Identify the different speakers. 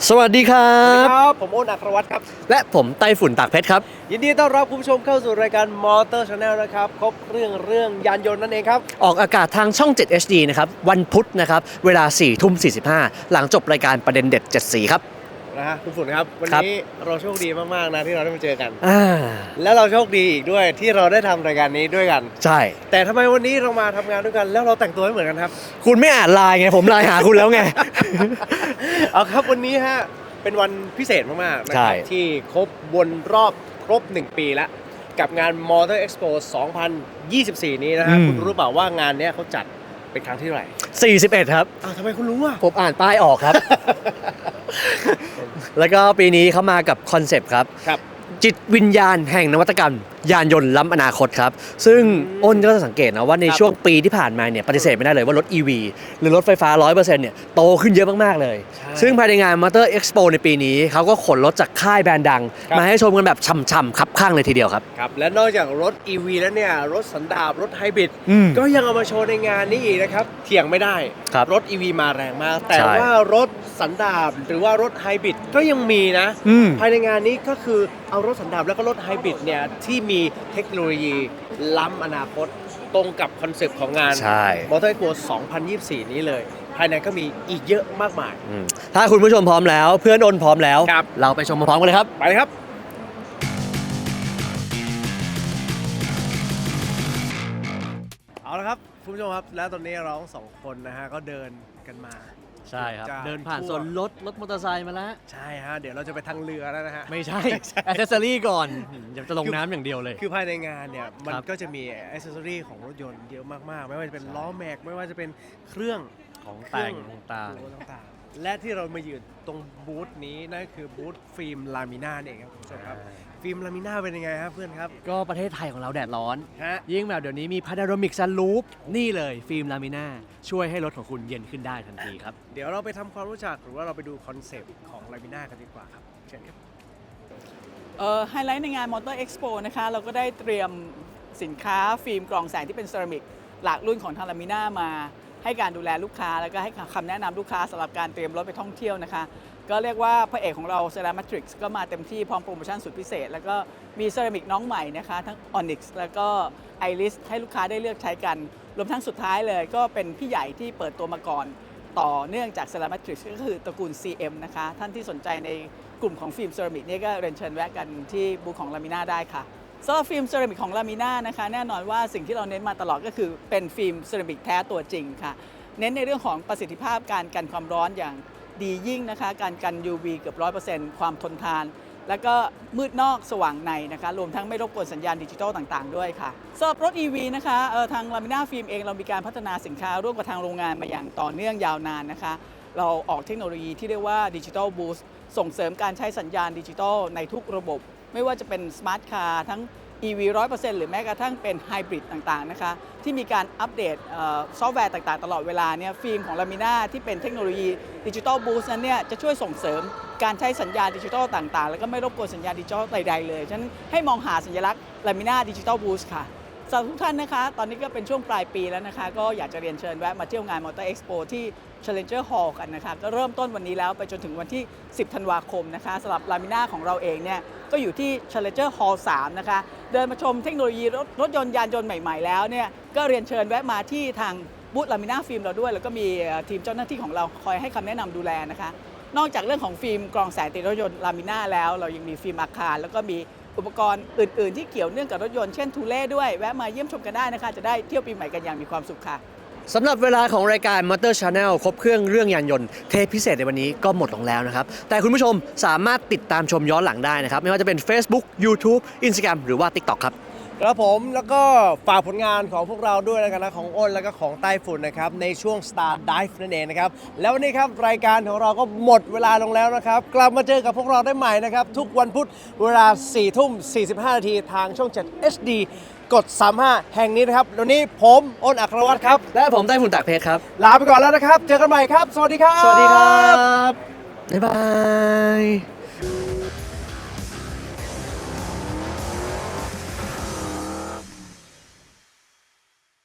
Speaker 1: สวัสดีครับ
Speaker 2: ผมโอ้นอัครวัฒน์ครับ
Speaker 1: และผมไต้ฝุ่นตากเพชรครับ
Speaker 2: ยินดีต้อนรับคุณผู้ชมเข้าสู่รายการมอเตอร์ชาแนลนะครับครบเรื่องยานยนต์นั่นเองครับ
Speaker 1: ออกอากาศทางช่อง 7 HD นะครับวันพุธนะครับเวลา 4:45 หลังจบรายการประเด็นเด็ด7สีครับ
Speaker 2: นะฮะคุณฝุ่นครับวันนี้เราโชคดีมากๆนะที่เราได้มาเจอกันและเราโชคดีอีกด้วยที่เราได้ทำรายการนี้ด้วยกัน
Speaker 1: ใช่
Speaker 2: แต่ทำไมวันนี้เรามาทำงานด้วยกันแล้วเราแต่งตัวไม่เหมือนกันครับ
Speaker 1: คุณไม่อ่านไลน์ไงผมไลน์หาคุณแล้วไง
Speaker 2: เอาครับวันนี้ฮะเป็นวันพิเศษมากๆนะครับที่ครบครบ1 ปีแล้วกับงาน Motor Expo 2024 นี้นะฮะคุณรู้เปล่าว่างานนี้เขาจัดเป็นครั้งที่เท่าไหร่
Speaker 1: 41ครับ
Speaker 2: ทำไมคุณรู้อ่ะ
Speaker 1: ผมอ่านป้ายออกครับ แล้วก็ปีนี้เขามากับคอนเซปต์ครับจิตวิญญาณแห่งนวัตกรรมยานยนต์ล้ำอนาคตครับซึ่งอ้นก็จะสังเกตนะว่าในช่วงปีที่ผ่านมาเนี่ยปฏิเสธไม่ได้เลยว่ารถ EV หรือรถไฟฟ้า 100% เนี่ยโตขึ้นเยอะมากๆเลยซึ่งภายในงาน Motor Expo ในปีนี้เขาก็ขนรถจากค่ายแบรนด์ดังมาให้ชมกันแบบช่ำๆคับข้างเลยทีเดียวครับ
Speaker 2: และนอกจากรถ EV แล้วเนี่ยรถสันดาปรถไฮบริดก็ยังเอามาโชว์ในงานนี้อีกนะครับเถียงไม่ได้รถ EV มาแรงมากแต่ว่ารถสันดาปหรือว่ารถไฮบริดก็ยังมีนะภายในงานนี้ก็คือเอารถสันดาปแล้วก็รถไฮบริดเนี่ยที่มีเทคโนโลยีล้ำอนาคตตรงกับคอนเซปต์ของงาน Motor Expo 2024 นี้เลยภายในก็มีอีกเยอะมากมาย
Speaker 1: ถ้าคุณผู้ชมพร้อมแล้วเพื่อนอ้นพร้อมแล้วเราไปชมพร้อมกันเลยครับ
Speaker 2: ไปเลยครับเอาละครับคุณผู้ชมครับแล้วตอนนี้เราสองคนนะฮะก็เดินกันมา
Speaker 1: ใช่ครับเดินผ่านโซนรถมอเตอร์ไซค์มาแล้ว
Speaker 2: ใช่ฮะเดี๋ยวเราจะไปทางเรือแล้วนะฮะ
Speaker 1: ไม่ใช่แอคเซสซอรี่ก่อนจะลงน้ำอย่างเดียวเลย
Speaker 2: คือภายในงานเนี่ยมันก็จะมีแอคเซสซอรี่ของรถยนต์เยอะมากๆไม่ว่าจะเป็นล้อแม็กไม่ว่าจะเป็นเครื่อง
Speaker 1: ของแต่งต่าง
Speaker 2: ๆและที่เรามายืนตรงบูธนี้นั่นคือบูธฟิล์มลามิน่าเองครับคุณผู้ชมครับฟิล์มลามิน่าเป็นยังไงครับเพื่อนครับ
Speaker 1: ก็ประเทศไทยของเราแดดร้อนยิ่งแบบเดี๋ยวนี้มีพาราโนมิกซันรูฟนี่เลยฟิล์มลามิน่าช่วยให้รถของคุณเย็นขึ้นได้ทันทีครับ
Speaker 2: เดี๋ยวเราไปทำความรู้จักหรือว่าเราไปดูคอนเซปต์ของลามิน่ากันดีกว่าครับเชิญครับ
Speaker 3: ไฮไลท์ในงาน Motor Expo นะคะเราก็ได้เตรียมสินค้าฟิล์มกรองแสงที่เป็นเซรามิกหลากรุ่นของทางลามิน่ามาให้การดูแลลูกค้าแล้วก็ให้คำแนะนำลูกค้าสำหรับการเตรียมรถไปท่องเที่ยวนะคะก็เรียกว่าพระเอกของเรา Ceramatrix ก็มาเต็มที่พร้อมโปรโมชั่นสุดพิเศษแล้วก็มีเซรามิกน้องใหม่นะคะทั้ง Onyx แล้วก็ Iris ให้ลูกค้าได้เลือกใช้กันรวมทั้งสุดท้ายเลยก็เป็นพี่ใหญ่ที่เปิดตัวมาก่อนต่อเนื่องจาก Ceramatrix ก็คือตระกูล CM นะคะท่านที่สนใจในกลุ่มของฟิล์มเซรามิกนี่ก็เรียนเชิญแวะกันที่บูธของลามิน่าได้ค่ะสำหรับฟิล์มเซรามิกของลามิน่านะคะแน่นอนว่าสิ่งที่เราเน้นมาตลอดก็คือเป็นฟิล์มเซรามิกแท้ตัวจริงค่ะเน้นในเรื่องของประสิทธิภาพการกันความร้อนอย่างดียิ่งนะคะการกัน UV เกือบ 100% ความทนทานแล้วก็มืดนอกสว่างในนะคะรวมทั้งไม่รบกวนสัญญาณดิจิทัลต่างๆด้วยค่ะสำหรับรถ EV นะคะทางลามิน่าฟิล์มเองเรามีการพัฒนาสินค้าร่วมกับทางโรงงานมาอย่างต่อเนื่องยาวนานนะคะเราออกเทคโนโลยีที่เรียกว่าดิจิทัลบูสต์ส่งเสริมการใช้สัญญาณดิจิทัลในทุกระบบไม่ว่าจะเป็นสมาร์ทคาร์ทั้ง EV 100% หรือแม้กระทั่งเป็นไฮบริดต่างๆนะคะที่มีการอัปเดตซอฟต์แวร์ต่างๆตลอดเวลาเนี่ยฟิล์มของลามิน่าที่เป็นเทคโนโลยีดิจิทัลบูสต์นั้นเนี่ยจะช่วยส่งเสริมการใช้สัญญาณดิจิทัลต่างๆแล้วก็ไม่รบกวนสัญญาณดิจิทัลใดๆเลยฉะนั้นให้มองหาสัญลักษณ์ลามิน่าดิจิทัลบูสต์ค่ะสำหรับทุกท่านนะคะตอนนี้ก็เป็นช่วงปลายปีแล้วนะคะก็อยากจะเรียนเชิญแวะมาเที่ยวงาน Motor Expo ที่ Challenger Hall กันนะคะก็เริ่มต้นวันนี้แล้วไปจนถึงวันที่ 10 ธันวาคมนะคะสำหรับลามิน่าของเราเองเนี่ยก็อยู่ที่ Challenger Hall 3 นะคะเดินมาชมเทคโนโลยีรถยนต์ยานยนต์ใหม่ๆแล้วเนี่ยก็เรียนเชิญแวะมาที่ทางบูธลามิน่าฟิล์มเราด้วยแล้วก็มีทีมเจ้าหน้าที่ของเราคอยให้คำแนะนำดูแลนะคะนอกจากเรื่องของฟิล์มกรองแสงติดรถยนต์ลามิน่าแล้วเรายังมีฟิล์มอาคารแล้วก็มีอุปกรณ์อื่นๆที่เกี่ยวเนื่องกับรถยนต์เช่นทูเล่ด้วยแวะมาเยี่ยมชมกันได้นะคะจะได้เที่ยวปีใหม่กันอย่างมีความสุขค่ะ
Speaker 1: สำหรับเวลาของรายการ Motor Channel ครบเครื่องเรื่องยานยนต์เทปพิเศษในวันนี้ก็หมดลงแล้วนะครับแต่คุณผู้ชมสามารถติดตามชมย้อนหลังได้นะครับไม่ว่าจะเป็น Facebook YouTube Instagram หรือว่า TikTok ครับ
Speaker 2: ครับผมแล้วก็ฝากผลงานของพวกเราด้วยนะครับของอ้นแล้วก็ของไต้ฝุ่นนะครับในช่วง Star Dive นั่นเองนะครับแล้ววันนี้ครับรายการของเราก็หมดเวลาลงแล้วนะครับกลับมาเจอกับพวกเราได้ใหม่นะครับทุกวันพุธเวลา 4:45 นาทีทางช่อง 7 HD กด 35 แห่งนี้นะครับวันนี้ผมอ้นอัครวัฒน์ครับ
Speaker 1: และผมไต้ฝุ่นตากเพชรครับ
Speaker 2: ลาไปก่อนแล้วนะครับเจอกันใหม่ครับสวัสดีครับ
Speaker 1: สวัสดีครับบ๊ายบาย